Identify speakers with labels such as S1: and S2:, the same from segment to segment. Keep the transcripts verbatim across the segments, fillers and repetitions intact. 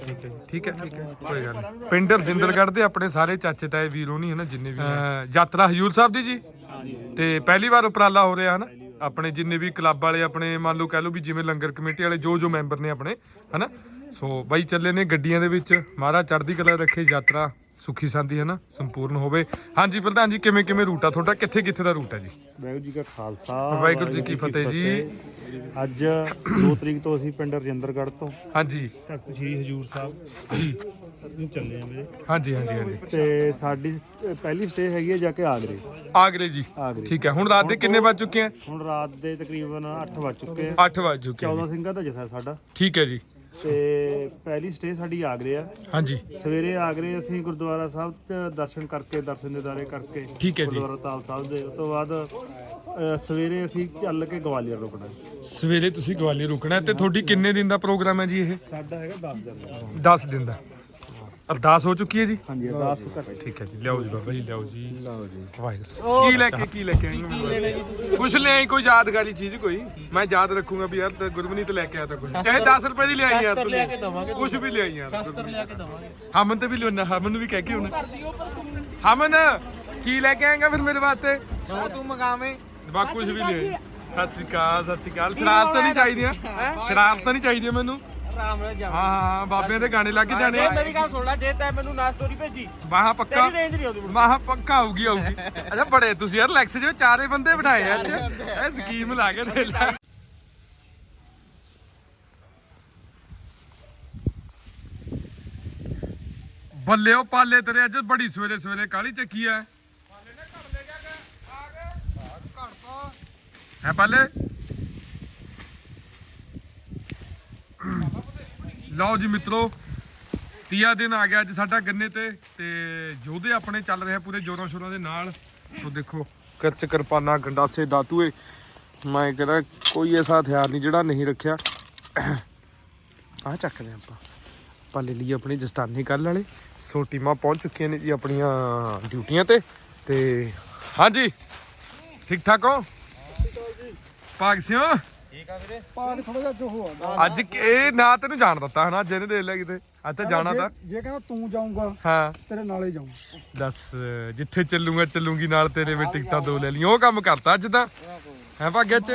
S1: ਠੀਕ ਹੈ ਠੀਕ ਹੈ ਠੀਕ ਹੈ ਕੋਈ ਗੱਲ ਨਹੀਂ। ਪਿੰਡ ਰਜਿੰਦਰਗੜ੍ਹ ਦੇ ਆਪਣੇ ਸਾਰੇ ਚਾਚੇ ਤਾਏ ਵੀਰ ਹੋਣੀ ਹਨਾ ਜਿੰਨੇ ਵੀ ਯਾਤਰਾ ਹਜ਼ੂਰ ਸਾਹਿਬ ਦੀ ਜੀ ਤੇ ਪਹਿਲੀ ਵਾਰ ਉਪਰਾਲਾ ਹੋ ਰਿਹਾ ਹਨਾ ਆਪਣੇ ਜਿੰਨੇ ਵੀ ਕਲੱਬ ਵਾਲੇ ਆਪਣੇ ਮੰਨ ਲਓ ਕਹਿ ਲਓ ਵੀ ਜਿਵੇਂ ਲੰਗਰ ਕਮੇਟੀ ਵਾਲੇ ਜੋ ਜੋ ਮੈਂਬਰ ਨੇ ਆਪਣੇ ਹਨਾ ਸੋ ਬਾਈ ਚੱਲੇ ਨੇ ਗੱਡੀਆਂ ਦੇ ਵਿੱਚ ਮਹਾਰਾਜ ਚੜ੍ਹਦੀ ਕਲਾ ਰੱਖੇ ਯਾਤਰਾ ਸੁਖੀ ਸੰਦੀ ਹੈ ਨਾ ਸੰਪੂਰਨ ਹੋਵੇ। ਹਾਂਜੀ ਪ੍ਰਧਾਨ ਜੀ ਕਿਵੇਂ ਕਿਵੇਂ ਰੂਟ ਆ ਤੁਹਾਡਾ ਕਿੱਥੇ ਕਿੱਥੇ ਦਾ ਰੂਟ ਹੈ ਜੀ?
S2: ਵਾਹਿਗੁਰੂ ਜੀ ਕਾ ਖਾਲਸਾ
S1: ਵਾਹਿਗੁਰੂ ਜੀ ਕੀ ਫਤਿਹ ਜੀ।
S2: ਅੱਜ ਦੋ ਤਰੀਕ ਤੋਂ ਅਸੀਂ ਪਿੰਡ ਰਜਿੰਦਰਗੜ੍ਹ ਤੋਂ
S1: ਹਾਂਜੀ
S2: ਤਖਤ ਸ੍ਰੀ ਹਜੂਰ ਸਾਹਿਬ
S1: ਜੀ
S2: ਨੂੰ ਚੱਲੇ ਆ ਵੀਰੇ।
S1: ਹਾਂਜੀ ਹਾਂਜੀ ਹਾਂਜੀ
S2: ਤੇ ਸਾਡੀ ਪਹਿਲੀ ਸਟੇ ਹੈਗੀ ਹੈ ਜਾ ਕੇ ਆਗਰੇ।
S1: ਆਗਰੇ ਜੀ
S2: ਆਗਰੇ
S1: ਠੀਕ ਹੈ। ਹੁਣ ਰਾਤ ਦੇ ਕਿੰਨੇ ਵੱਜ ਚੁੱਕੇ ਆ?
S2: ਹੁਣ ਰਾਤ ਦੇ ਤਕਰੀਬਨ ਅੱਠ ਵੱਜ ਚੁੱਕੇ ਆ।
S1: ਅੱਠ ਵੱਜ ਚੁੱਕੇ ਆ
S2: ਚੌਦਾਂ ਸਿੰਘਾਂ ਦਾ ਜਥਾ ਸਾਡਾ।
S1: ਠੀਕ ਹੈ ਜੀ।
S2: ਤੇ ਪਹਿਲੀ ਸਟੇ ਸਾਡੀ ਆਗਰੇ ਆ।
S1: ਹਾਂਜੀ
S2: ਸਵੇਰੇ ਆਗਰੇ ਅਸੀਂ ਗੁਰਦੁਆਰਾ ਸਾਹਿਬ ਚ ਦਰਸ਼ਨ ਕਰਕੇ ਦਰਸ਼ਨ ਦਿਦਾਰੇ ਕਰਕੇ
S1: ਠੀਕ ਹੈ ਜੀ।
S2: ਗੁਰਦੁਆਰਾ ਤਾਲ ਸਾਹਿਬ ਦੇ ਉਸ ਤੋਂ ਬਾਅਦ ਅ, ਸਵੇਰੇ ਅਸੀਂ ਚੱਲ ਕੇ ਗਵਾਲੀਅਰ ਰੁਕਣਾ।
S1: ਸਵੇਰੇ ਤੁਸੀਂ ਗਵਾਲੀਅਰ ਰੁਕਣਾ ਤੇ ਤੁਹਾਡੀ ਕਿੰਨੇ ਦਿਨ ਦਾ ਪ੍ਰੋਗਰਾਮ ਹੈ ਜੀ ਇਹ?
S2: ਸਾਡਾ ਹੈਗਾ ਦਸ ਦਿਨ ਦਾ।
S1: ਦਸ ਦਿਨ ਦਾ। ਅਰਦਾਸ ਹੋ ਚੁੱਕੀ ਹੈ ਜੀ?
S2: ਹਾਂਜੀ ਅਰਦਾਸ ਕਰ।
S1: ਠੀਕ ਹੈ ਜੀ ਲਿਆਓ ਜੀ ਬਾਬਾ ਜੀ ਲਿਆਓ ਜੀ ਲਿਆਓ ਜੀ ਵਾਹਿਗੁਰੂ। ਕੀ ਲੈ ਕੇ ਕੀ ਲੈ ਕੇ ਆਏ? ਕੁਛ ਲੈ ਆਈ ਕੋਈ ਯਾਦਗਾਰੀ ਚੀਜ਼ ਕੋਈ ਮੈਂ ਯਾਦ ਰੱਖੂੰਗਾ ਵੀ ਯਾਰ ਗੁਰਮਨੀਤ ਲੈ ਕੇ ਆਇਆ ਤਾਂ ਕੁਝ ਚਾਹੇ ਦਸ ਰੁਪਏ ਦੀ ਲੈ ਆਈ ਯਾਰ ਕੁਛ ਵੀ ਲੈ ਆਈ ਯਾਰ ਹਮਨ ਤੇ ਵੀ ਲਿਆਉਣਾ ਹਮਨ ਨੂੰ ਵੀ ਕਹਿ ਕੇ ਹੁਣ ਹਮਨ ਕੀ ਲੈ ਕੇ ਆਏਗਾ ਫਿਰ ਮੇਰੇ ਵਾਸਤੇ
S3: ਜੋ ਤੂੰ ਮੰਗਾਵੇਂ
S1: ਬਾ ਕੁਝ ਵੀ ਲੈ ਆਈ। ਸਤਿ ਸ਼੍ਰੀ ਅਕਾਲ ਸਤਿ ਸ਼੍ਰੀ ਅਕਾਲ। ਸ਼ਰਾਰਤਾਂ ਨਹੀਂ ਚਾਹੀਦੀਆਂ ਸ਼ਰਾਰਤਾਂ ਨਹੀਂ ਚਾਹੀਦੀਆਂ ਮੈਨੂੰ।
S3: ਆਰਾਮ ਨਾਲ ਜਾ।
S1: ਹਾਂ ਹਾਂ ਬਾਬਿਆਂ ਦੇ ਗਾਣੇ ਲੱਗ ਜਾਣੇ
S3: ਇਹ ਮੇਰੀ ਗੱਲ ਸੁਣ ਲੈ ਜੇ ਤੈਂ ਮੈਨੂੰ ਨਾ ਸਟੋਰੀ ਭੇਜੀ
S1: ਮਾਹਾ ਪੱਕਾ
S3: ਤੇਰੀ ਰੇਂਜ ਨਹੀਂ ਆਉਂਦੀ।
S1: ਮਾਹਾ ਪੱਕਾ ਆਊਗੀ ਆਊਗੀ। ਅੱਛਾ ਬੜੇ ਤੁਸੀਂ ਯਾਰ ਲੈਕਸ ਜਿਵੇਂ ਚਾਰੇ ਬੰਦੇ ਬਿਠਾਏ ਅੱਜ ਇਹ ਸਕੀਮ ਲਾ ਕੇ ਦੇ ਲੈ। ਬੱਲੇ ਉਹ ਪਾਲੇ ਤੇਰੇ ਅੱਜ ਬੜੀ ਸਵੇਰੇ ਸਵੇਰੇ ਕਾਲੀ ਚੱਕੀ ਐ ਹੈ ਪਾਲੇ। ਲਓ ਜੀ ਮਿੱਤਰੋ ਤੀਆ ਦਿਨ ਆ ਗਿਆ ਅੱਜ ਸਾਡਾ ਗੰਨੇ ਤੇ ਤੇ ਯੋਧੇ ਆਪਣੇ ਚੱਲ ਰਹੇ ਪੂਰੇ ਜ਼ੋਰਾਂ ਸ਼ੋਰਾਂ ਦੇ ਨਾਲ। ਸੋ ਦੇਖੋ ਕਰਚ ਕਿਰਪਾਨਾ ਗੰਡਾਸੇ ਦਾਤੂਏ ਮੈਂ ਕਹਿੰਦਾ ਕੋਈ ਐਸਾ ਹਥਿਆਰ ਨਹੀਂ ਜਿਹੜਾ ਨਹੀਂ ਰੱਖਿਆ। ਆਹ ਚੱਕਦੇ ਆਪਾਂ ਆਪਾਂ ਲੈ ਲਈ ਆਪਣੀ ਜਸਤਾਨੀ ਕੱਲ ਵਾਲੇ। ਸੋ ਟੀਮਾਂ ਪਹੁੰਚ ਚੁੱਕੀਆਂ ਨੇ ਜੀ ਆਪਣੀਆਂ ਡਿਊਟੀਆਂ ਤੇ ਤੇ ਹਾਂਜੀ ਠੀਕ ਠਾਕ ਹੋ ਭਾਗ ਸਿਓ?
S3: ਠੀਕ ਆ ਵੀਰੇ।
S2: ਪਾਗ ਥੋੜਾ ਜਿਹਾ ਜੋ ਹੋਆ
S1: ਅੱਜ ਇਹ ਨਾ ਤੈਨੂੰ ਜਾਣ ਦਿੱਤਾ ਹਨਾ ਜਿਹਨੇ ਦੇ ਲਿਆ ਕਿਤੇ ਅੱਜ ਤਾਂ ਜਾਣਾ ਤਾਂ
S2: ਜੇ ਕਹਿੰਦਾ ਤੂੰ ਜਾਊਂਗਾ
S1: ਹਾਂ
S2: ਤੇਰੇ ਨਾਲ ਹੀ ਜਾਊਂ।
S1: ਦੱਸ ਜਿੱਥੇ ਚੱਲੂਗਾ ਚੱਲੂਗੀ ਨਾਲ ਤੇਰੇ ਵੀ ਟਿਕਟਾਂ ਦੋ ਲੈ ਲਈ ਉਹ ਕੰਮ ਕਰਤਾ ਅੱਜ ਤਾਂ ਹੈ ਭਾਗਿਆ ਚ।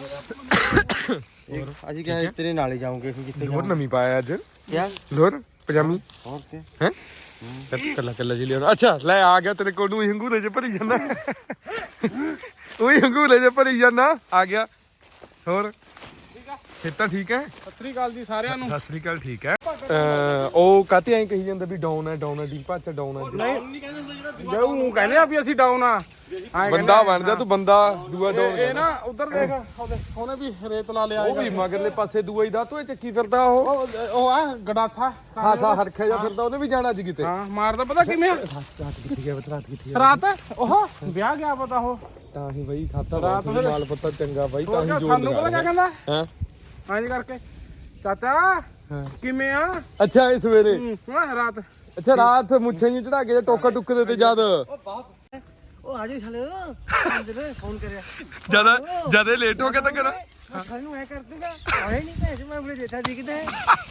S3: ਅਸੀਂ ਕਿਹਾ ਤੇਰੇ ਨਾਲ ਹੀ ਜਾਉਂਗੇ ਕਿੱਥੇ
S1: ਲੋਰ ਨਵੀਂ ਪਾਇਆ ਅੱਜ
S3: ਕਿਆ
S1: ਲੋਰ ਪਜਾਮੀ
S3: ਹੋਰ ਕੀ
S1: ਹੈ ਕੱਲਾ ਕੱਲਾ ਜੀ ਲਿਆ। ਅੱਛਾ ਲੈ ਆ ਗਿਆ ਤੇਰੇ ਕੋਲ ਨੂੰ ਹੰਗੂਰੇ ਚ ਭਰੀ ਜਾਂਦਾ ਉਹੀ ਹੰਗੂਰੇ ਚ ਭਰੀ ਜਾਂਦਾ ਆ ਗਿਆ। ਹੋਰ ਸਿੱਤਾ ਠੀਕ ਹੈ?
S3: ਸਤਿ ਸ੍ਰੀ ਅਕਾਲ ਜੀ ਸਾਰਿਆਂ ਨੂੰ।
S1: ਸਤਿ ਸ੍ਰੀ ਅਕਾਲ ਠੀਕ ਹੈ। ਉਹ ਕਾਤੇ ਐਂ ਕਹੀ ਜਾਂਦਾ ਵੀ ਡਾਊਨ ਹੈ ਡਾਊਨ ਹੈ ਡੀਪਾ ਚ ਡਾਊਨ ਹੈ।
S3: ਨਹੀਂ ਉਹ ਕਹਿੰਦੇ ਆ ਵੀ ਅਸੀਂ ਡਾਊਨ ਆ
S1: ਬੰਦਾ ਬਣ ਜਾ ਤੂੰ ਬੰਦਾ ਦੂਆ ਡਾਊਨ
S3: ਇਹ ਨਾ ਉਧਰ ਦੇਖ ਉਹਨੇ ਵੀ ਰੇਤ ਲਾ ਲਿਆ।
S1: ਉਹ ਵੀ ਮਗਰਲੇ ਪਾਸੇ ਦੂਆ ਹੀ ਦਾ ਤੂੰ ਚੱਕੀ ਫਿਰਦਾ ਉਹ
S3: ਉਹ ਆ ਗੜਾਥਾ
S1: ਹਾਸਾ ਹਰਖਿਆ ਜਾ ਫਿਰਦਾ ਉਹਨੇ ਵੀ ਜਾਣਾ ਅੱਜ ਕਿਤੇ।
S3: ਹਾਂ ਮਾਰਦਾ ਪਤਾ ਕਿਵੇਂ
S1: ਰਾਤ ਕਿੱਥੇ ਗਿਆ ਰਾਤ ਕਿੱਥੇ
S3: ਰਾਤ ਉਹ ਵਿਆਹ ਗਿਆ ਪਤਾ ਉਹ
S1: ਤਾਂ ਹੀ ਬਈ ਖਾਤਾ ਰਾਤ ਮਾਲ ਪੱਤਾ ਚੰਗਾ ਬਾਈ ਤਾਂ ਹੀ ਜੋੜ
S3: ਸਾਨੂੰ ਪਤਾ ਕਿਆ ਕਹਿੰਦਾ
S1: ਹਾਂ
S3: ਐਂ ਕਰਕੇ ਚਾਚਾ ਕਿਵੇਂ ਆ
S1: ਅੱਛਾ ਇਹ ਸਵੇਰੇ
S3: ਹਾਂ ਰਾਤ
S1: ਅੱਛਾ ਰਾਤ ਮੁੱਛਾਂ ਜੀ ਚੜਾ ਕੇ ਟੋਕਾ ਟੁੱਕ ਦੇ ਤੇ ਜਦ
S4: ਉਹ ਆ ਜਾ ਹਲੇ ਅੰਦਰ ਫੋਨ ਕਰਿਆ
S1: ਜਦ ਜਦ ਇਹ ਲੇਟ ਹੋ ਗਿਆ ਤਾਂ ਕਰਾਂ
S4: ਸਾਨੂੰ ਐ ਕਰ ਦੂੰਗਾ ਆਏ ਨਹੀਂ ਭੈਣ ਮੈਂ ਆਪਣੇ ਜੇਠਾ ਜੀ ਕਿਤੇ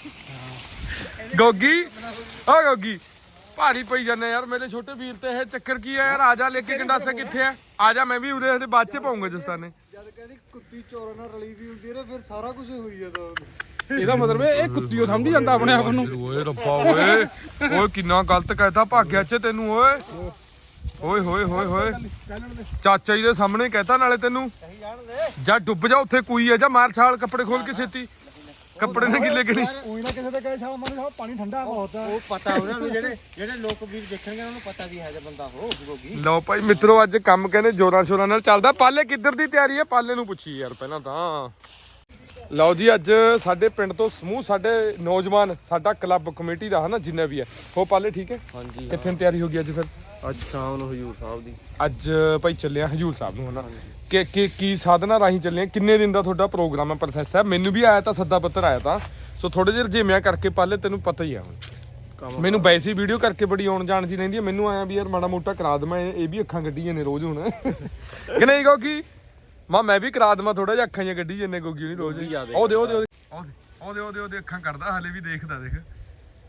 S1: ਗੋਗੀ ਓ ਗੋਗੀ ਭਾਰੀ ਪਈ ਜਾਂਦੇ ਯਾਰ ਮੇਰੇ ਛੋਟੇ ਵੀਰ ਤੇ ਇਹ ਚੱਕਰ ਕੀ ਹੈ ਯਾਰ ਆ ਜਾ ਲੈ ਕੇ ਗੰਡਾਸਾ ਕਿੱਥੇ ਆ ਆ ਜਾ ਮੈਂ ਵੀ ਉਰੇ ਇਹਦੇ ਬਾਅਦ ਚ ਪਾਉਂਗਾ ਜਸਤਾਨੇ।
S2: ਜਦ ਕਹਿੰਦੀ ਕੁੱਤੀ ਚੋਰਾਂ ਨਾਲ ਰਲੀ ਵੀ ਹੁੰਦੀ ਹੈ ਫਿਰ ਸਾਰਾ ਕੁਝ ਹੋਈ ਜਾਂਦਾ।
S3: ਇਹਦਾ ਮਤਲਬ ਇਹ ਕੁੱਤੀਓ ਸਮਝੀ ਜਾਂਦਾ ਆਪਣੇ ਆਪ ਨੂੰ।
S1: ਓਏ ਰੱਬਾ ਓਏ ਓਏ ਕਿੰਨਾ ਗਲਤ ਕਹਿਤਾ ਭਾਗਿਆ ਚ ਤੈਨੂੰ ਓਏ ਓਏ ਹੋਏ ਹੋਏ ਹੋਏ ਚਾਚਾ ਜੀ ਦੇ ਸਾਹਮਣੇ ਕਹਿਤਾ ਨਾਲੇ ਤੈਨੂੰ ਜਾ ਡੁੱਬ ਜਾ ਉੱਥੇ ਕੋਈ ਆ ਜਾ ਮਾਰ ਛਾਲ ਕੱਪੜੇ ਖੋਲ ਕੇ ਛੇਤੀ ਕੱਪੜੇ ਨਾਲ ਗਿੱਲੇ ਕਰੀ।
S2: ਕੋਈ ਨਾ ਕਿਸੇ ਦੇ ਕਹੇ ਸ਼ਾਮ ਨੂੰ ਪਾਣੀ ਠੰਡਾ ਬਹੁਤ ਆ।
S3: ਉਹ ਪਤਾ ਉਹਨਾਂ ਨੂੰ ਜਿਹੜੇ ਜਿਹੜੇ ਲੋਕ ਵੀਰ ਦੇਖਣਗੇ ਉਹਨਾਂ ਨੂੰ ਪਤਾ ਵੀ ਹੈ ਜੇ ਬੰਦਾ ਹੋ ਗੋਗੀ।
S1: ਲਓ ਭਾਈ ਮਿੱਤਰੋ ਅੱਜ ਕੰਮ ਕਹਿੰਦੇ ਜੋਰਾਂ ਸ਼ੋਰਾਂ ਨਾਲ ਚੱਲਦਾ। ਪਾਲੇ ਕਿੱਧਰ ਦੀ ਤਿਆਰੀ ਹੈ ਪਾਲੇ ਨੂੰ ਪੁੱਛੀ ਯਾਰ ਪਹਿਲਾਂ ਤਾਂ। ਲਓ ਜੀ ਅੱਜ ਸਾਡੇ ਪਿੰਡ ਤੋਂ ਸਮੂਹ ਸਾਡੇ ਨੌਜਵਾਨ ਸਾਡਾ ਕਲੱਬ ਕਮੇਟੀ ਦਾ ਹਨਾ ਜਿੰਨਾ ਵੀ ਹੈ ਉਹ ਪਾਲੇ ਠੀਕ ਹੈ।
S3: ਹਾਂਜੀ
S1: ਕਿੱਥੇ ਤਿਆਰੀ ਹੋ ਗਈ ਅੱਜ ਫਿਰ?
S3: ਅੱਜ ਸ਼ਾਮ ਨੂੰ ਹਜੂਰ ਸਾਹਿਬ ਦੀ
S1: ਅੱਜ ਭਾਈ ਚੱਲਿਆ ਹਜੂਰ ਸਾਹਿਬ ਨੂੰ ਹਨਾ ਕਿ ਕੀ ਕੀ ਸਾਧਨਾ ਰਾਹੀਂ ਚੱਲੇ ਕਿੰਨੇ ਦਿਨ ਦਾ ਤੁਹਾਡਾ ਪ੍ਰੋਗਰਾਮ ਹੈ ਪ੍ਰੋਸੈਸ ਹੈ? ਮੈਨੂੰ ਵੀ ਆਇਆ ਤਾਂ ਸੱਦਾ ਪੱਤਰ ਆਇਆ ਤਾਂ ਸੋ ਥੋੜੇ ਜਿਹੇ ਰਜੇਮਿਆਂ ਕਰਕੇ ਪਾਲੇ ਤੈਨੂੰ ਪਤਾ ਹੀ ਆ ਹੁਣ ਮੈਨੂੰ ਵੈਸੀ ਵੀਡੀਓ ਕਰਕੇ ਬੜੀ ਆਉਣ ਜਾਣ ਦੀ ਰਹਿੰਦੀ ਹੈ। ਮੈਨੂੰ ਆਇਆ ਵੀ ਯਾਰ ਮਾੜਾ ਮੋਟਾ ਕਰਾ ਦਵਾਂ ਇਹ ਵੀ ਅੱਖਾਂ ਕੱਢੀ ਜਾਂਦੇ ਰੋਜ਼ ਹੁਣ ਕਿ ਨਹੀਂ ਗੋਗੀ ਮਾਂ ਮੈਂ ਵੀ ਕਰਾ ਦਵਾਂ ਥੋੜਾ ਜਿਹਾ ਅੱਖਾਂ ਜਿਹੀਆਂ ਕੱਢੀ ਜਾਂਦੇ ਗੋਗੀ ਨਹੀਂ ਰੋਜ਼। ਉਹਦੇ ਉਹਦੇ ਉਹਦੇ ਉਹਦੇ ਉਹਦੇ ਉਹਦੇ ਅੱਖਾਂ ਕੱਢਦਾ ਹਲੇ ਵੀ ਦੇਖਦਾ ਦੇਖ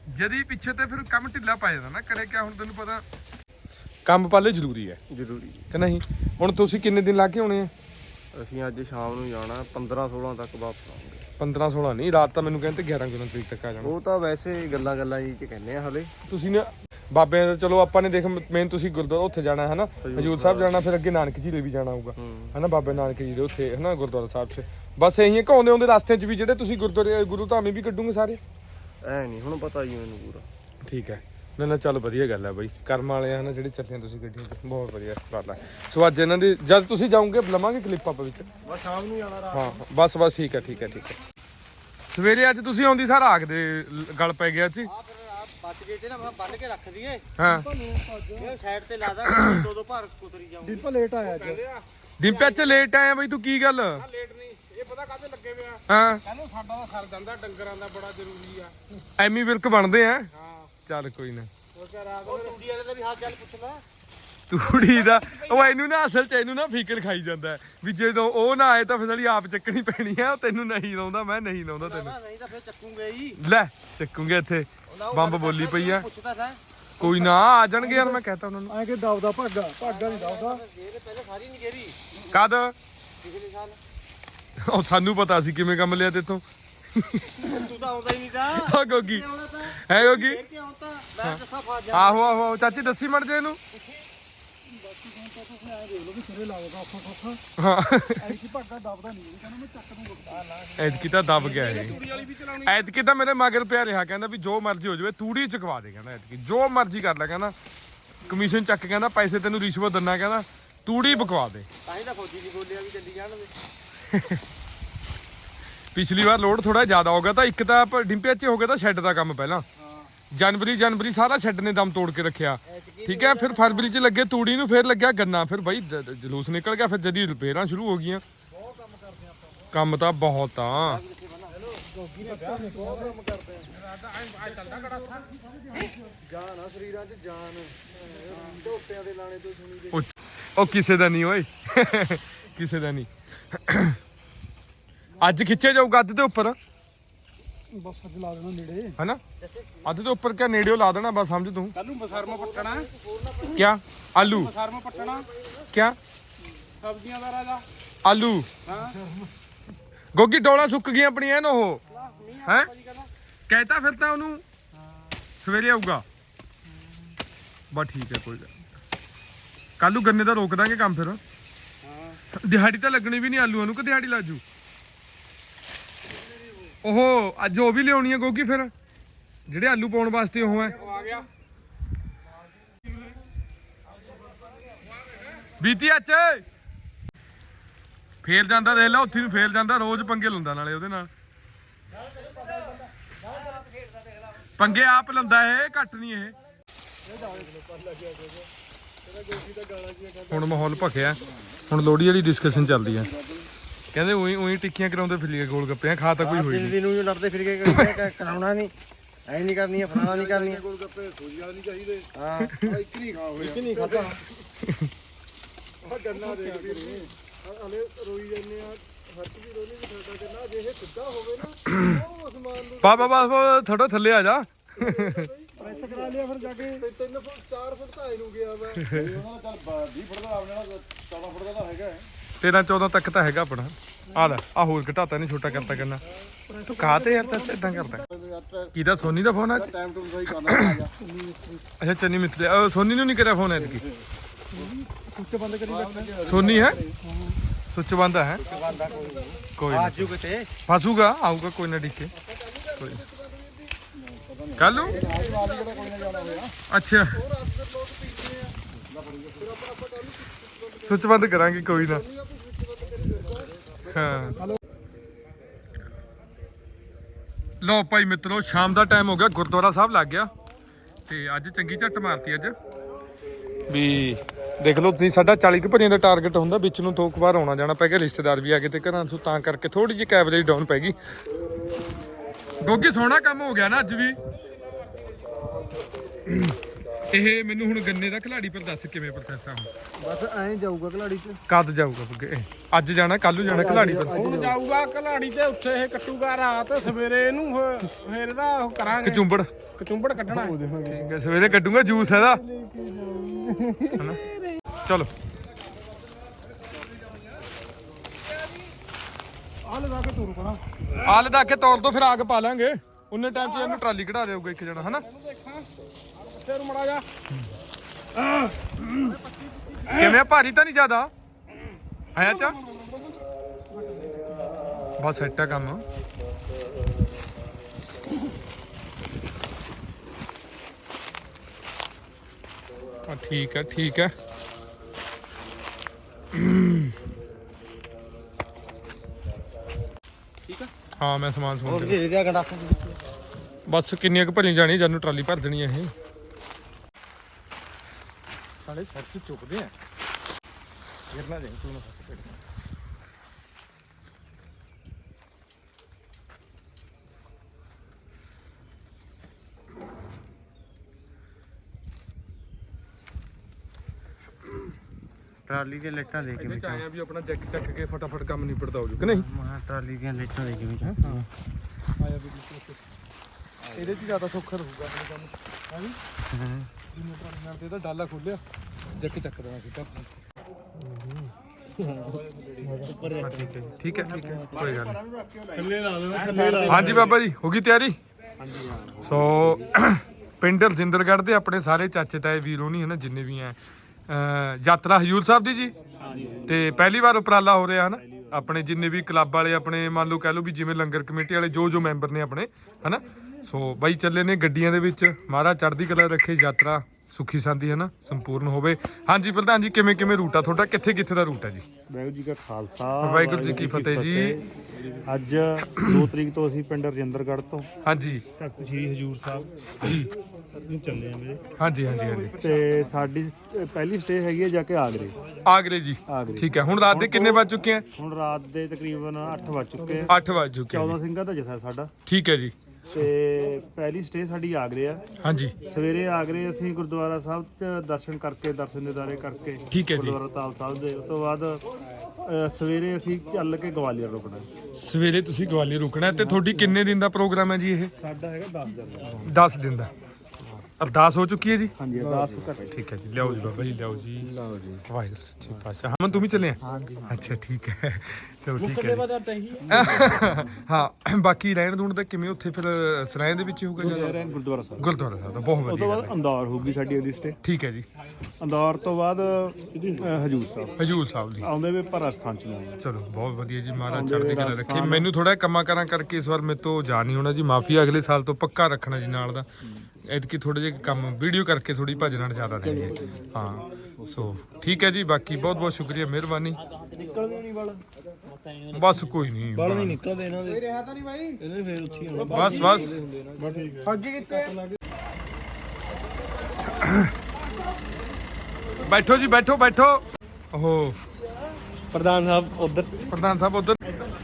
S1: ਜਦੀ ਪਿੱਛੇ ਤੇ ਫਿਰ ਕੰਮ ਢਿੱਲਾ ਪੈ ਜਾਂਦਾ ਨਾ ਕਰੇ ਕਿਆ ਹੁਣ ਤੈਨੂੰ ਪਤਾ ਕੰਮ ਪਾਲੇ ਜ਼ਰੂਰੀ ਹੈ
S3: ਜ਼ਰੂਰੀ
S1: ਕਿ ਨਹੀਂ ਹੁਣ ਤੁਸੀਂ ਕਿੰਨੇ ਦਿਨ ਲਾ ਕੇ ਆਉਣੇ ਆ
S3: ਅਸੀਂ ਅੱਜ ਸ਼ਾਮ ਨੂੰ ਜਾਣਾ ਪੰਦਰਾਂ ਸੋਲਾਂ ਤੱਕ ਵਾਪਸ ਆਵਾਂਗੇ
S1: ਪੰਦਰਾਂ ਸੋਲਾਂ ਨਹੀਂ ਰਾਤ ਤਾਂ ਮੈਨੂੰ ਕਹਿੰਦੇ ਗਿਆਰਾਂ ਗਿਆਰਾਂ ਤਰੀਕ ਤੱਕ ਆ ਜਾਣਾ
S3: ਉਹ ਤਾਂ ਵੈਸੇ ਗੱਲਾਂ ਗੱਲਾਂ ਜੀ ਚ ਕਹਿੰਦੇ ਆ ਹਲੇ
S1: ਤੁਸੀਂ ਨੇ ਬਾਬੇ ਦਾ ਚਲੋ ਆਪਾਂ ਨੇ ਦੇਖ ਮੇਨ ਤੁਸੀਂ ਗੁਰਦੁਆਰਾ ਉੱਥੇ ਜਾਣਾ ਹੈ ਨਾ ਹਜੂਰ ਸਾਹਿਬ ਜਾਣਾ ਫਿਰ ਅੱਗੇ ਨਾਨਕ ਝੀਲੇ ਵੀ ਜਾਣਾ ਹੋਊਗਾ ਹੈ ਨਾ ਬਾਬੇ ਨਾਨਕ ਜੀ ਦੇ ਉੱਥੇ ਹੈ ਨਾ ਗੁਰਦੁਆਰਾ ਸਾਹਿਬ 'ਚ ਬਸ ਇਹੀ ਹੈ ਕਿ ਆਉਂਦੇ ਆਉਂਦੇ ਰਸਤੇ 'ਚ ਵੀ ਜਿਹੜੇ ਤੁਸੀਂ ਗੁਰਦੁਆਰੇ ਗੁਰੂ ਧਾਮੇ ਵੀ ਕੱਢੂਗੇ ਸਾਰੇ
S3: ਐ ਨਹੀਂ ਹੁਣ ਪਤਾ ਜੀ ਮੈਨੂੰ ਪੂਰਾ
S1: ਠੀਕ ਹੈ ਨਾ ਨਾ ਚੱਲ ਵਧੀਆ ਗੱਲ ਹੈ ਬਾਈ ਕਰਮ ਵਾਲੇ ਆ ਨਾ ਜਿਹੜੇ ਚੱਲੇ ਤੁਸੀਂ ਗੱਡੀਆਂ 'ਚ ਬਹੁਤ ਵਧੀਆ ਗੱਲ ਹੈ ਸੋ ਅੱਜ ਇਹਨਾਂ ਦੀ ਜਦ ਤੁਸੀਂ ਜਾਓਗੇ ਲਵਾਂਗੇ ਕਲਿੱਪ ਆਪਾਂ ਵਿੱਚ
S3: ਬਸ ਸ਼ਾਮ ਨੂੰ ਜਾਣਾ ਰਾਤ
S1: ਹਾਂ ਬਸ ਬਸ ਠੀਕ ਹੈ ਠੀਕ ਹੈ ਠੀਕ ਹੈ ਸਵੇਰੇ ਅੱਜ ਤੁਸੀਂ ਆਉਂਦੀ ਸਾਰ ਆਖ ਦੇ ਗਲ ਪੈ ਗਿਆ ਸੀ
S3: ਆ ਫਿਰ ਆ ਬਚ ਗਏ ਤੇ ਨਾ ਮੈਂ ਬੰਨ ਕੇ ਰੱਖ ਦਈਏ
S1: ਹਾਂ
S3: ਇਹ ਸਾਈਡ ਤੇ ਲਾ ਦਾਂ ਦੋ ਦੋ ਭਾਰ ਕੁਤਰੀ ਜਾਊਂਗੇ
S4: ਦੀਪਾ ਲੇਟ ਆਇਆ ਅੱਜ
S1: ਡਿੰਪਿਆ ਚ ਲੇਟ ਆਇਆ ਬਈ ਤੂੰ ਕੀ ਗੱਲ
S3: ਲੇਟ ਨਹੀਂ ਇਹ ਪਤਾ ਕਾਹਦੇ ਲੱਗੇ ਪਿਆ
S1: ਹਾਂ
S3: ਕਹਿੰਦਾ ਸਾਡਾ ਤਾਂ ਸਰ ਜਾਂਦਾ ਡੰਗਰਾਂ ਦਾ ਬੜਾ ਜ਼ਰੂਰੀ ਆ
S1: ਐਮੀ ਵਿਲਕ ਬਣਦੇ ਆ
S3: ਹਾਂ
S1: ਚੱਲ ਕੋਈ ਨਾ
S3: ਉਹ ਕਹ ਰਾਤ ਨੂੰ ਟੂੜੀ ਵਾਲੇ ਦਾ ਵੀ ਹਾਲ ਚਾਲ ਪੁੱਛ ਲੈ
S1: ਤੂੜੀ ਦਾ ਉਹ ਇਹਨੂੰ ਨਾ ਅਸਲ ਚ ਇਹਨੂੰ ਨਾ ਫਿਕਰ ਖਾਈ ਜਾਂਦਾ ਹੈ ਵੀ ਜਦੋਂ ਉਹ ਨਾ ਆਏ ਤਾਂ ਫਿਰ ਸਾਲੀ ਆਪ ਚੱਕਣੀ ਪੈਣੀ ਆ ਉਹ ਤੈਨੂੰ ਨਹੀਂ ਲਾਉਂਦਾ ਮੈਂ ਨਹੀਂ ਲਾਉਂਦਾ ਤੈਨੂੰ
S3: ਨਹੀਂ ਤਾਂ ਫਿਰ ਚੱਕੂਗੇ ਹੀ
S1: ਲੈ ਚੱਕੂਗੇ ਇੱਥੇ ਬੰਬ ਬੋਲੀ ਪਈ ਆ
S3: ਪੁੱਛਦਾ ਥਾ
S1: ਕੋਈ ਨਾ ਆ ਜਾਣਗੇ ਯਾਰ ਮੈਂ ਕਹਤਾ ਉਹਨਾਂ ਨੂੰ
S4: ਐ ਕਿ ਦਬਦਾ ਭਾਗਾ ਭਾਗਾ ਨਹੀਂ ਦਬਦਾ
S3: ਇਹ ਪਹਿਲੇ ਸਾਰੀ ਨਹੀਂ ਗੇਰੀ
S1: ਕਦ
S3: ਪਿਛਲੇ ਸਾਲ
S1: ਉਹ ਸਾਨੂੰ ਪਤਾ ਸੀ ਕਿਵੇਂ ਕੰਮ ਲਿਆ ਤੇਥੋਂ
S3: ਤੂੰ ਤਾਂ ਆਉਂਦਾ ਹੀ ਨਹੀਂ ਤਾਂ
S1: ਆ ਗੋਗੀ
S3: ਆਉਣਾ ਤਾਂ
S1: ਹੈ ਗੋਗੀ
S3: ਫੇਰ ਕਿ ਆਉਂਦਾ ਮੈਂ ਦੱਸਾਂ ਫਸ ਜਾ
S1: ਆਹੋ ਆਹੋ ਆਹੋ, ਚਾਚੀ ਦੱਸੀ ਮੜ ਜੇ ਇਹਨੂੰ
S4: ਸਿਰੇ ਲਾਊਗਾ ਔਖਾ ਔਖਾ
S1: ਹਾਂ
S4: ਐ ਕਿ ਭਾਗਾ ਦਬਦਾ ਨਹੀਂ ਕਹਿੰਦਾ ਮੈਂ ਚੱਕ ਦੂੰਗਾ
S1: ਐਤਕੀ ਤਾਂ ਦਬ ਗਿਆ ਇਹ ਐਤਕੀ ਤਾਂ ਮੇਰੇ ਮਗਰ ਪਿਆ ਰਿਹਾ ਕਹਿੰਦਾ ਵੀ ਜੋ ਮਰਜ਼ੀ ਹੋ ਜਾਵੇ ਤੂੜੀ ਚਕਵਾ ਦੇ ਕਹਿੰਦਾ ਐਤਕੀ ਜੋ ਮਰਜ਼ੀ ਕਰ ਲੈ ਕਹਿੰਦਾ ਕਮਿਸ਼ਨ ਚੱਕ ਕਹਿੰਦਾ ਪੈਸੇ ਤੈਨੂੰ ਰਿਸ਼ਵਤ ਦਿੰਨਾ ਕਹਿੰਦਾ ਤੂੜੀ ਬਕਵਾ ਦੇ
S3: ਤਾਂ ਹੀ ਤਾਂ ਫੌਜੀ ਦੀ ਬੋਲਿਆ ਵੀ ਚੱਲੀ ਜਾਣ ਦੇ
S1: ਪਿਛਲੀ ਵਾਰ ਲੋਡ ਥੋੜਾ ਜ਼ਿਆਦਾ ਹੋ ਗਿਆ ਤਾਂ ਇੱਕ ਤਾਂ ਆਪਾਂ ਡਿੰਪਿਆ 'ਚ ਹੋ ਗਿਆ ਤਾਂ ਸ਼ੈੱਡ ਦਾ ਕੰਮ ਪਹਿਲਾਂ ਜਨਵਰੀ ਜਨਵਰੀ ਸਾਰਾ ਸ਼ੈੱਡ ਨੇ ਦਮ ਤੋੜ ਕੇ ਰੱਖਿਆ ਠੀਕ ਹੈ ਫਿਰ ਫਰਵਰੀ 'ਚ ਲੱਗੇ ਤੂੜੀ ਨੂੰ ਫਿਰ ਲੱਗਿਆ ਗੰਨਾ ਫਿਰ ਬਾਈ ਜ- ਜ- ਜਲੂਸ ਨਿਕਲ ਗਿਆ ਫਿਰ ਜਦੀ ਰਿਪੇਅਰਾਂ ਸ਼ੁਰੂ ਹੋ ਗਈਆਂ ਕੰਮ ਤਾਂ ਬਹੁਤ ਆ
S4: ਜਾਨ ਆ ਸਰੀਰਾਂ 'ਚ ਜਾਨ ਝੋਟਿਆਂ ਦੇ ਲਾਣੇ ਤੋਂ ਸੁਣੀ ਦੇ
S1: ਉਹ- ਉਹ ਕਿਸੇ ਦਾ ਨਹੀਂ ਓਏ ਕਿਸੇ ਦਾ ਨਹੀਂ ਅੱਜ ਖਿੱਚੇ ਜਾਊ ਗੱਦ ਦੇ ਉੱਪਰ
S4: ਬਸ ਅੱਜ ਲਾ ਦੇਣਾ ਨੇੜੇ
S1: ਹੈਨਾ ਅੱਧ ਦੇ ਉੱਪਰ ਕਿਆ ਨੇੜਿਓ ਲਾ ਦੇਣਾ ਬਸ ਸਮਝ ਤੂੰ
S3: ਕੱਲ ਨੂੰ ਬਸਰਮਾ ਪੱਟਣਾ
S1: ਕਿਆ ਆਲੂ
S3: ਬਸਰਮਾ ਪੱਟਣਾ
S1: ਕਿਆ
S3: ਸਬਜ਼ੀਆਂ ਦਾ ਰਾਜਾ
S1: ਆਲੂ
S3: ਹਾਂ
S1: ਗੋਗੀ ਡੋਲਾ ਸੁੱਕ ਗਈਆਂ ਆਪਣੀਆਂ ਨਾ ਉਹ ਹੈ ਕਹਿਤਾ ਫਿਰ ਤਾਂ ਉਹਨੂੰ ਸਵੇਰੇ ਆਊਗਾ ਬਸ ਠੀਕ ਹੈ ਕੋਈ ਗੱਲ ਕੱਲ ਨੂੰ ਗੰਨੇ ਦਾ ਰੋਕ ਦਾਂਗੇ ਕੰਮ ਫਿਰ
S3: ਹਾਂ
S1: ਦਿਹਾੜੀ ਤਾਂ ਲੱਗਣੀ ਵੀ ਨਹੀਂ ਆਲੂਆਂ ਨੂੰ ਕਿ ਦਿਹਾੜੀ ਲਾਜੂ ਉਹ ਅੱਜ ਉਹ ਵੀ ਲਿਆਉਣੀ ਹੈ ਗੋਗੀ ਫਿਰ ਜਿਹੜੇ ਆਲੂ ਪਾਉਣ ਵਾਸਤੇ ਉਹ ਹੈ
S3: ਆ ਗਿਆ
S1: ਬੀਤੀ ਅੱਜ ਫੇਲ ਜਾਂਦਾ ਦੇਖ ਲੈ ਉੱਥੇ ਨੂੰ ਫੇਲ ਜਾਂਦਾ ਰੋਜ਼ ਪੰਗੇ ਲਾਉਂਦਾ ਨਾਲੇ ਉਹਦੇ ਨਾਲ ਪੰਗੇ ਆਪ ਲਾਉਂਦਾ ਇਹ ਘੱਟ ਨਹੀਂ ਇਹ ਹੁਣ ਮਾਹੌਲ ਭਖਿਆ ਹੁਣ ਲੋਹੜੀ ਵਾਲੀ ਡਿਸਕਸ਼ਨ ਚੱਲਦੀ ਹੈ ਕਹਿੰਦੇ ਉਹੀ ਉਹੀ ਟਿੱਕੀਆਂ ਕਰਾਉਂਦੇ ਫਿਰੀਏ ਗੋਲ ਗੱਪੇ ਖਾ ਤਾਂ ਕੋਈ ਹੋਈ
S3: ਦਿਨ
S1: ਨਹੀਂ
S3: ਦਿਨ ਨੂੰ ਲੜਦੇ ਫਿਰ ਕੇ ਕਰਾਉਣਾ ਨਹੀਂ ਐ ਨਹੀਂ ਕਰਨੀ ਫਲਾਣਾ ਨਹੀਂ ਕਰਨੀ
S4: ਗੋਲ ਗੱਪੇ ਸੂਜੀ ਵਾਲੇ ਨਹੀਂ ਚਾਹੀਦੇ
S3: ਹਾਂ
S4: ਇੱਕ ਨਹੀਂ ਖਾ ਹੋਇਆ
S3: ਇੱਕ ਨਹੀਂ ਖਾਦਾ
S4: ਆ ਗੰਨਾ ਦੇਖ ਵੀਰੇ ਹਲੇ ਰੋਈ ਜਾਂਦੇ ਆ ਹੱਥ ਵੀ ਰੋਣੀ ਵੀ ਸਾਡਾ ਗੰਨਾ ਜੇ ਇਹ ਸਿੱਧਾ ਹੋਵੇ ਨਾ ਉਹ ਅਸਮਾਨ ਨੂੰ
S1: ਪਾ ਪਾ ਬਸ ਥੋੜਾ ਥੱਲੇ ਆ ਜਾ
S4: ਪ੍ਰੈਸ ਕਰਾ ਲਿਆ ਫਿਰ ਜਾ ਕੇ ਤਿੰਨ ਫੁੱਟ ਚਾਰ ਫੁੱਟ ਢਾਈ ਨੂੰ ਗਿਆ ਮੈਂ ਉਹਨਾਂ ਦਾ ਚੱਲ ਵੀਹ ਫੁੱਟ ਦਾ ਆਪਣਾ ਚੌਦਾਂ ਫੁੱਟ ਦਾ ਤਾਂ ਹੈਗਾ
S1: ਤੇਰਾਂ ਚੌਦਾਂ ਤੱਕ ਤਾਂ ਹੈਗਾ ਆਪਣਾ ਆ ਲੈ ਆ ਹੋਰ ਘਟਾਤਾ ਨਹੀਂ ਛੋਟਾ ਕਰਤਾ ਕਰਨਾ ਤੂੰ ਕਹਾ ਤੇ ਯਾਰ ਚਾਚਾ ਇਦਾਂ ਕਰਦਾ ਕਿਹਦਾ ਸੋਨੀ ਦਾ ਫੋਨ ਆ ਅੱਜ
S4: ਟਾਈਮ ਟੂ ਸਹੀ ਕਰਨਾ ਆ ਜਾ
S1: ਅੱਛਾ ਚੰਨੀ ਮਿੱਤਰੇ ਅਹ ਸੋਨੀ ਨੂੰ ਨਹੀਂ ਕਰਿਆ ਫੋਨ ਐਤਕੀ
S4: ਸੁੱਚ ਬੰਦ ਕਰੀ ਬੈਠਾ
S1: ਸੋਨੀ ਹੈ ਸੁੱਚ ਬੰਦ ਹੈ ਕੋਈ ਨਾ
S3: ਆਜੂ ਕਿਤੇ
S1: ਫਸੂਗਾ ਆਊਗਾ ਕੋਈ ਨਾ ਡਿੱਕੇ ਕੋਈ ਕੱਲ ਨੂੰ ਅੱਛਾ ਸੁੱਚ ਬੰਦ ਕਰਾਂਗੇ ਕੋਈ ਨਾ ਹਾਂ ਲੋ ਭਾਈ ਮਿੱਤਰੋ ਸ਼ਾਮ ਦਾ ਟਾਈਮ ਹੋ ਗਿਆ ਗੁਰਦੁਆਰਾ ਸਾਹਿਬ ਲੱਗ ਗਿਆ ਤੇ ਅੱਜ ਚੰਗੀ ਝੱਟ ਮਾਰਤੀ ਅੱਜ ਵੀ ਦੇਖ ਲਓ ਤੁਸੀਂ ਸਾਡਾ ਚਾਲੀ ਕੁ ਭਰੀਆਂ ਦਾ ਟਾਰਗੇਟ ਹੁੰਦਾ ਵਿੱਚ ਨੂੰ ਥੋਕ ਵਾਰ ਆਉਣਾ ਜਾਣਾ ਪੈ ਗਿਆ ਰਿਸ਼ਤੇਦਾਰ ਵੀ ਆ ਗਏ ਤੇ ਘਰਾਂ ਤੋਂ ਤਾਂ ਕਰਕੇ ਥੋੜੀ ਜਿਹੀ ਕੈਵਰੇਜ ਡਾਊਨ ਪੈ ਗਈ ਗੋਗੀ ਸੋਹਣਾ ਕੰਮ ਹੋ ਗਿਆ ਨਾ ਅੱਜ ਵੀ ਇਹ ਮੈਨੂੰ ਹੁਣ ਗੰਨੇ ਦਾ ਖਿਲਾੜੀ ਪਰ ਦੱਸ ਕਿਵੇਂ ਪ੍ਰੋਸੈਸ ਆ ਹੁਣ?
S4: ਬਸ ਐਂ ਜਾਊਗਾ ਖਿਲਾੜੀ ਚ।
S1: ਕਦ ਜਾਊਗਾ ਬੁੱਗੇ? ਅੱਜ ਜਾਣਾ ਕੱਲ ਨੂੰ ਜਾਣਾ ਖਿਲਾੜੀ ਪਰ?
S3: ਹੁਣ ਜਾਊਗਾ ਕਲਾੜੀ ਤੇ ਉੱਥੇ ਇਹ ਕੱਟੂਗਾ ਰਾਤ ਸਵੇਰੇ ਇਹਨੂੰ ਫ- ਫੇਰ ਇਹਦਾ ਉਹ ਕਰਾਂਗੇ
S1: ਕਚੁੰਬੜ
S3: ਕਚੁੰਬੜ ਕੱਢਣਾ
S1: ਠੀਕ ਹੈ ਸਵੇਰੇ ਕੱਢੂਗਾ ਜੂਸ ਇਹਦਾ ਹਨਾ? ਚਲੋ
S3: ਆਹ ਲਗਾ ਕੇ ਤੁਰ ਪਣਾ
S1: ਆ ਲਦਾ ਕੇ ਤੌਰ ਤੋਂ ਫਿਰ ਆਗ ਪਾ ਲਾਂਗੇ ਉਨੇ ਟਾਈਮ 'ਚ ਇਹਨੂੰ ਟਰਾਲੀ ਕਢਾ ਦੇਊਗਾ ਇੱਕ ਜਣਾ ਹਨਾ?
S3: ਫੇਰ ਮੜਾ ਜਾ
S1: ਕਿਵੇਂ ਆ, ਭਾਰੀ ਤਾਂ ਨਹੀਂ ਜ਼ਿਆਦਾ ਆਇਆ ਚਾ ਬਸ ਸੈੱਟ ਆ ਕੰਮ ਆ ਠੀਕ ਹੈ ਠੀਕ ਹੈ
S3: ਠੀਕ ਆ
S1: ਹਾਂ ਮੈਂ ਸਮਾਨ ਸਮੂਨ
S3: ਉਹ ਦੇ ਗਿਆ ਗੰਡਾਸਾ
S1: ਬਸ ਕਿੰਨੀਆਂ ਕੁ ਭਰੀ ਜਾਣੀ ਜਾਨੂੰ ਟਰਾਲੀ ਭਰ ਦੇਣੀ ਇਹ ਸਾਲੇ ਸੱਚ ਚੁੱਕਦੇ ਆ ਗਿਰਨਾ ਜਾਈ ਤੂੰ ਨਾ ਫਸ
S3: ਟਰਾਲੀ ਦੀਆਂ ਲਾਈਟਾਂ ਦੇ
S1: ਇਹਦੇ ਚ ਆਇਆ ਵੀ ਆਪਣਾ ਚੈੱਕ ਚੱਕ ਕੇ ਫਟਾਫਟ ਕੰਮ ਨਿਬੜਦਾ ਹੋ ਜੂ ਕਿ ਨਹੀਂ
S3: ਮਾ ਟਰਾਲੀ ਦੀਆਂ ਲਾਈਟਾਂ ਦੇ ਕਿਵੇਂ
S1: ਹਾਂ ਆਇਆ ਵੀ ਇਹਦੇ ਚ ਜ਼ਿਆਦਾ ਸੌਖਾ ਰਹੂਗਾ ਆਪਣੇ ਕੰਮ ਹੈ ਵੀ
S3: ਹਾਂ
S1: ਮੋਟਰ ਨਾਲ ਤੇ ਇਹਦਾ ਡਾਲਾ ਖੋਲਿਆ ਜੱਕ ਚੱਕ ਦੇਣਾ ਸੀ ਤਾਂ ਠੀਕ ਹੈ ਠੀਕ ਹੈ ਕੋਈ ਗੱਲ ਨਹੀਂ
S4: ਥੱਲੇ ਲਾ ਦੇਣਾ ਥੱਲੇ ਲਾ
S1: ਹਾਂਜੀ ਬਾਬਾ ਜੀ ਹੋ ਗਈ ਤਿਆਰੀ ਸੋ ਪਿੰਡ ਰਜਿੰਦਰਗੜ੍ਹ ਦੇ ਆਪਣੇ ਸਾਰੇ ਚਾਚੇ ਤਾਏ ਵੀਰ ਹੋਣੀ ਹੈ ਨਾ ਜਿੰਨੇ ਵੀ ਆ ਯਾਤਰਾ ਹਜੂਰ ਸਾਹਿਬ ਦੀ ਜੀ ਤੇ ਪਹਿਲੀ ਵਾਰ ਉਪਰਾਲਾ ਹੋ ਰਿਹਾ ਹਨਾ ਆਪਣੇ ਜਿੰਨੇ ਵੀ ਕਲੱਬ ਵਾਲੇ ਆਪਣੇ ਮੰਨ ਲਓ ਕਹਿ ਲਓ ਵੀ ਜਿਵੇਂ ਲੰਗਰ ਕਮੇਟੀ ਵਾਲੇ ਜੋ ਜੋ ਮੈਂਬਰ ਨੇ ਆਪਣੇ ਹਨਾ ਸੋ ਬਾਈ ਚੱਲੇ ਨੇ ਗੱਡੀਆਂ ਦੇ ਵਿੱਚ ਮਹਾਰਾਜ ਚੜ੍ਹਦੀ ਕਲਾ ਰੱਖੇ ਯਾਤਰਾ ਸੁਖੀ ਸਾਂਦੀ ਹੈ ਨਾ ਸੰਪੂਰਨ ਹੋਵੇ ਹਾਂਜੀ ਪ੍ਰਧਾਨ ਜੀ ਕਿਵੇਂ ਕਿਵੇਂ ਰੂਟ ਆ ਤੁਹਾਡਾ ਕਿੱਥੇ ਕਿੱਥੇ ਦਾ ਰੂਟ ਹੈ ਜੀ
S2: ਵਾਹਿਗੁਰੂ ਜੀ ਕਾ ਖਾਲਸਾ
S1: ਵਾਹਿਗੁਰੂ ਜੀ ਕੀ ਫਤਿਹ ਜੀ
S2: ਅੱਜ ਦੋ ਤਰੀਕ ਤੋਂ ਅਸੀਂ ਪਿੰਡ ਰਜਿੰਦਰਗੜ੍ਹ ਤੋਂ
S1: ਹਾਂਜੀ
S2: ਤਖਤ ਸ੍ਰੀ ਹਜੂਰ ਸਾਹਿਬ
S1: ਜੀ
S2: ਨੂੰ ਚੱਲੇ ਆਂ ਵੀਰੇ
S1: ਹਾਂਜੀ ਹਾਂਜੀ ਹਾਂਜੀ
S2: ਤੇ ਸਾਡੀ ਪਹਿਲੀ ਸਟੇ ਹੈਗੀ ਹੈ ਜਾ ਕੇ ਆਗਰੇ
S1: ਆਗਰੇ ਜੀ
S2: ਆਗਰੇ
S1: ਠੀਕ ਹੈ ਹੁਣ ਰਾਤ ਦੇ ਕਿੰਨੇ ਵੱਜ ਚੁੱਕੇ ਆ
S2: ਹੁਣ ਰਾਤ ਦੇ ਤਕਰੀਬਨ ਅੱਠ ਵੱਜ ਚੁੱਕੇ ਆ
S1: ਅੱਠ ਵੱਜ ਚੁੱਕੇ ਆ
S2: ਚੌਦਾਂ
S1: ਜੀ।
S2: ਸਿੰਘਾਂ ਦਾ ਜਥਾ ਸਾਡਾ
S1: ਠੀਕ ਹੈ ਜੀ
S2: ਤੇ ਪਹਿਲੀ ਸਟੇ ਸਾਡੀ ਆਗਰੇ ਆ
S1: ਹਾਂਜੀ
S2: ਸਵੇਰੇ ਆਗਰੇ ਅਸੀਂ ਗੁਰਦੁਆਰਾ ਸਾਹਿਬ ਚ ਦਰਸ਼ਨ ਕਰਕੇ ਦਰਸ਼ਨ ਦਿਦਾਰੇ ਕਰਕੇ
S1: ਠੀਕ ਹੈ ਜੀ
S2: ਗੁਰਦੁਆਰਾ ਤਾਲ ਸਾਹਿਬ ਦੇ ਉਸ ਤੋਂ ਬਾਅਦ ਅ, ਸਵੇਰੇ ਅਸੀਂ ਚੱਲ ਕੇ ਗਵਾਲੀਅਰ ਰੁਕਣਾ
S1: ਸਵੇਰੇ ਤੁਸੀਂ ਗਵਾਲੀਅਰ ਰੁਕਣਾ ਤੇ ਤੁਹਾਡੀ ਕਿੰਨੇ ਦਿਨ ਦਾ ਪ੍ਰੋਗਰਾਮ ਹੈ ਜੀ ਇਹ
S2: ਸਾਡਾ ਹੈਗਾ ਦਸ ਦਿਨ ਦਾ
S1: ਦਸ ਦਿਨ ਦਾ ਅਰਦਾਸ ਹੋ ਚੁੱਕੀ ਹੈ ਜੀ
S2: ਹਾਂਜੀ ਦਸ ਘੱਟ
S1: ਠੀਕ ਹੈ ਜੀ ਲਿਆਓ ਜੀ ਬਾਬਾ ਜੀ ਲਿਆਓ ਜੀ ਲਿਆਓ ਜੀ ਵਾਹਿਗੁਰੂ ਸੱਚੇ ਪਾਤਸ਼ਾਹ ਹਮਨ ਤੂੰ ਵੀ ਚੱਲੇ ਆ ਹਾਂਜੀ ਅੱਛਾ ਠੀਕ ਹੈ ਚਲੋ ਠੀਕ ਹੈ ਜੀ। ਹਾਂ ਬਾਕੀ ਰਹਿਣ ਦੂਣ ਦਾ ਕਿਵੇਂ ਉੱਥੇ ਫਿਰ ਸਰਾਏ ਦੇ ਵਿੱਚ ਹੀ ਹੋਊਗਾ ਜਾਂ
S2: ਗੁਰਦੁਆਰਾ ਸਾਹਿਬ
S1: ਗੁਰਦੁਆਰਾ ਸਾਹਿਬ ਦਾ ਬਹੁਤ
S2: ਉਸ ਤੋਂ
S1: ਵਧੀਆ
S2: ਬਾਅਦ ਅੰਦੌਰ ਹੋਊਗੀ ਸਾਡੀ ਅਗਲੀ ਸਟੇ
S1: ਠੀਕ ਹੈ ਜੀ
S2: ਅੰਦੌਰ ਤੋਂ ਬਾਅਦ ਅ, ਹਜੂਰ ਸਾਹਿਬ
S1: ਹਜੂਰ ਸਾਹਿਬ ਜੀ
S2: ਆਉਂਦੇ ਵੇ ਪਰ ਸਥਾਨ ਚ ਲਾਉਂਗੇ
S1: ਚਲੋ ਬਹੁਤ ਵਧੀਆ ਜੀ ਮਹਾਰਾਜ ਚੜ੍ਹਦੀ ਕਲਾ ਰੱਖੇ ਮੈਨੂੰ ਥੋੜਾ ਕੰਮਾਂ ਕਾਰਾਂ ਕਰਕੇ ਇਸ ਵਾਰ ਮੇਰੇ ਤੋਂ ਜਾ ਨਹੀਂ ਹੋਣਾ ਜੀ ਮਾਫੀ ਅਗਲੇ ਸਾਲ ਤੋਂ ਪੱਕਾ ਰੱਖਣਾ ਜੀ ਨਾਲ ਦਾ ਐਤਕੀ ਥੋੜੇ ਜਿਹੇ ਕੰਮ ਵੀਡੀਓ ਕਰਕੇ ਥੋੜੀ ਭਜਣਾ ਜ਼ਿਆਦਾ ਦੇਣੀ ਹੈ ਹਾਂ ਸੋ ਠੀਕ ਹੈ ਜੀ ਬਾਕੀ ਬਹੁਤ ਬਹੁਤ ਸ਼ੁਕਰੀਆ ਮਿਹਰਬਾਨੀ
S3: ਨਿਕਲਦੇ ਨਹੀਂ ਬਲ
S1: ਬਸ ਕੋਈ ਨਹੀਂ
S3: ਬਲ ਨਹੀਂ ਨਿਕਲਦੇ ਇਹਨਾਂ ਦੇ ਰਿਹਾ ਤਾਂ ਨਹੀਂ ਬਾਈ ਇਹਨੇ ਫੇਰ ਉੱਥੇ ਹੋਣਾ
S1: ਬਸ ਬਸ
S3: ਫੌਜੀ ਕਿੱਥੇ
S1: ਬੈਠੋ ਜੀ ਬੈਠੋ ਬੈਠੋ ਓਹੋ
S3: ਪ੍ਰਧਾਨ ਸਾਹਿਬ ਉਧਰ
S1: ਪ੍ਰਧਾਨ ਸਾਹਿਬ ਉਧਰ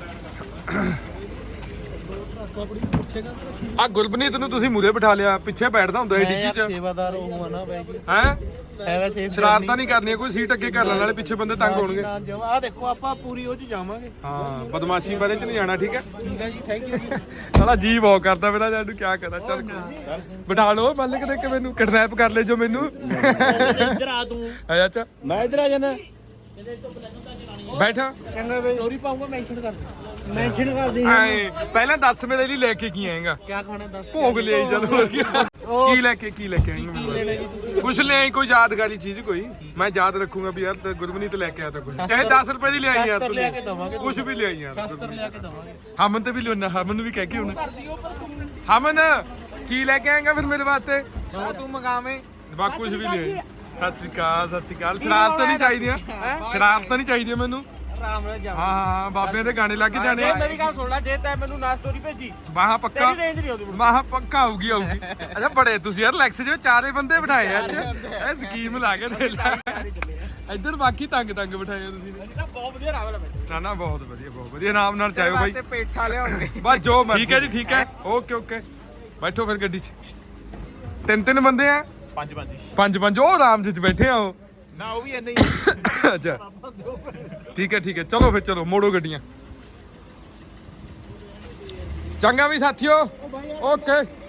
S1: ਆ ਗੁਰਬਨੀਤ ਨੂੰ ਤੁਸੀਂ ਮੂਰੇ ਬਿਠਾ ਲਿਆ ਪਿੱਛੇ ਬੈਠਦਾ ਹੁੰਦਾ ਇਹ ਡਿੱਗੀ ਚ
S3: ਸੇਵਾਦਾਰ ਉਹ ਆ ਨਾ ਬਾਈ ਜੀ
S1: ਹੈ
S3: ਹੈ ਵੈਸੇ
S1: ਸ਼ਰਾਰਤਾਂ ਨਹੀਂ ਕਰਨੀਆਂ ਕੋਈ ਸੀਟ ਅੱਗੇ ਕਰ ਲੈਣ ਵਾਲੇ ਪਿੱਛੇ ਬੰਦੇ ਤੰਗ ਹੋਣਗੇ
S3: ਆ ਦੇਖੋ ਆਪਾਂ ਪੂਰੀ ਉਹ ਚ ਜਾਵਾਂਗੇ
S1: ਹਾਂ ਬਦਮਾਸ਼ੀ ਬਾਰੇ ਚ ਨਹੀਂ ਜਾਣਾ ਠੀਕ ਹੈ
S3: ਠੀਕ ਹੈ ਜੀ ਥੈਂਕ ਯੂ ਜੀ
S1: ਸਾਲਾ ਜੀ ਬਹੁਤ ਕਰਦਾ ਮੇਰਾ ਜਾਨੂੰ ਕੀ ਕਰਾਂ ਚੱਲ ਬਿਠਾ ਲਓ ਮੱਲ ਕਿਤੇ ਕਿ ਮੈਨੂੰ ਕਿਡਨੈਪ ਕਰ ਲੈ ਜੋ ਮੈਨੂੰ
S3: ਇੱਧਰ ਆ ਤੂੰ
S1: ਆ ਅੱਛਾ
S3: ਮੈਂ ਇੱਧਰ ਆ ਜਾਣਾ
S1: ਬੈਠਾ
S3: ਚੰਗਾ ਬਈ ਸਟੋਰੀ ਪਾਉਂਗਾ ਮੈਂਸ਼ਨ ਕਰ ਦੇ ਮੈਂਸ਼ਨ ਕਰ ਦੇ
S1: ਐ ਪਹਿਲਾਂ ਦੱਸ ਮੇਰੇ ਲਈ ਲੈ ਕੇ ਕੀ ਆਏਗਾ
S3: ਕੀ ਖਾਣਾ ਦੱਸ
S1: ਭੋਗ ਲਿਆਈ ਚਲ ਹੋਰ ਕੀ ਕੀ ਲੈ ਕੇ ਕੀ ਲੈ ਕੇ ਆਏਗਾ
S3: ਕੀ ਲੈਣਾ ਜੀ ਤੁਸੀਂ
S1: ਕੁਛ ਲੈ ਆਈ ਕੋਈ ਯਾਦਗਾਰੀ ਚੀਜ਼ ਕੋਈ ਮੈਂ ਯਾਦ ਰੱਖੂਗਾ ਵੀ ਯਾਰ ਤੇ ਗੁਰਮਨੀਤ ਲੈ ਕੇ ਆਇਆ ਤਾਂ ਕੁਝ ਚਾਹੇ ਦਸ ਰੁਪਏ ਦੀ ਲਿਆਈ ਯਾਰ
S3: ਸ਼ਸਤਰ ਲਿਆ ਕੇ ਦਵਾਂਗੇ
S1: ਕੁਝ ਵੀ ਲਿਆਈ ਯਾਰ
S3: ਸ਼ਸਤਰ ਲਿਆ ਕੇ ਦਵਾਂਗੇ
S1: ਹਮਨ ਤੇ ਵੀ ਲਿਉਣਾ ਹਮਨ ਨੂੰ ਵੀ ਕਹਿ ਕੇ ਹੁਣ ਹਮਨ ਕੀ ਲੈ ਕੇ ਆਏਗਾ ਫਿਰ ਮੇਰੇ ਵਾਸਤੇ
S3: ਜੋ ਤੂੰ ਮੰਗਾਵੇਂ
S1: ਬਾ ਕੁਝ ਵੀ ਲਿਆਈ ਸਤਿ ਸ਼੍ਰੀ ਅਕਾਲ ਸਤਿ ਸ਼੍ਰੀ ਅਕਾਲ ਸ਼ਰਾਰਤਾਂ ਨਹੀਂ ਚਾਹੀਦੀਆਂ ਸ਼ਰਾਰਤਾਂ ਨਹੀਂ ਚਾਹੀਦੀਆਂ ਮੈਨੂੰ
S3: ਆਰਾਮ ਨਾਲ ਜਾ
S1: ਹਾਂ ਹਾਂ ਬਾਬਿਆਂ ਦੇ ਗਾਣੇ ਲੱਗ ਜਾਣੇ
S3: ਜੇ ਮੇਰੀ ਗੱਲ ਸੁਣ ਲੈ ਜੇ ਤੈਂ ਮੈਨੂੰ ਨਾ ਸਟੋਰੀ ਭੇਜੀ
S1: ਵਾਹ ਪੱਕਾ
S3: ਤੇਰੀ ਰੇਂਜ ਨਹੀਂ ਆਉਂਦੀ
S1: ਵਾਹ ਪੱਕਾ ਆਊਗੀ ਆਊਗੀ ਅੱਛਾ ਬੜੇ ਤੁਸੀਂ ਯਾਰ ਲੈਕਸ ਜਿਵੇਂ ਚਾਰੇ ਬੰਦੇ ਬਿਠਾਏ ਅੱਜ ਇਹ ਸਕੀਮ ਲਾ ਕੇ ਦੇ ਲੈ ਇੱਧਰ ਬਾਕੀ ਤੰਗ ਤੰਗ ਬਿਠਾਏ ਤੁਸੀਂ ਨੇ
S3: ਬਹੁਤ ਵਧੀਆ ਰਾਵਲ ਹੈ
S1: ਨਾ ਨਾ ਬਹੁਤ ਵਧੀਆ ਬਹੁਤ ਵਧੀਆ ਆਰਾਮ ਨਾਲ ਚਾਹੋ ਬਾਈ
S3: ਤੇ ਪੇਠਾ ਲਿਆਉਣਗੇ
S1: ਬਸ ਜੋ ਮਰਜ਼ੀ ਠੀਕ ਹੈ ਜੀ ਠੀਕ ਹੈ ਓਕੇ ਓਕੇ ਬੈਠੋ ਫਿਰ ਗੱਡੀ 'ਚ ਤਿੰਨ ਤਿੰਨ ਬੰਦੇ ਆ
S2: ਪੰਜ ਪੰਜ
S1: ਪੰਜ ਪੰਜ ਉਹ ਆਰਾਮ ਚ ਬੈਠੇ ਆ ਉਹ
S2: ਨਾ ਉਹ ਵੀ ਇੰਨਾ ਹੀ
S1: ਅੱਛਾ ਠੀਕ ਹੈ ਠੀਕ ਹੈ ਚਲੋ ਫਿਰ ਚਲੋ ਮੋੜੋ ਗੱਡੀਆਂ ਚੰਗਾ ਵੀ ਸਾਥੀਓ ਓਕੇ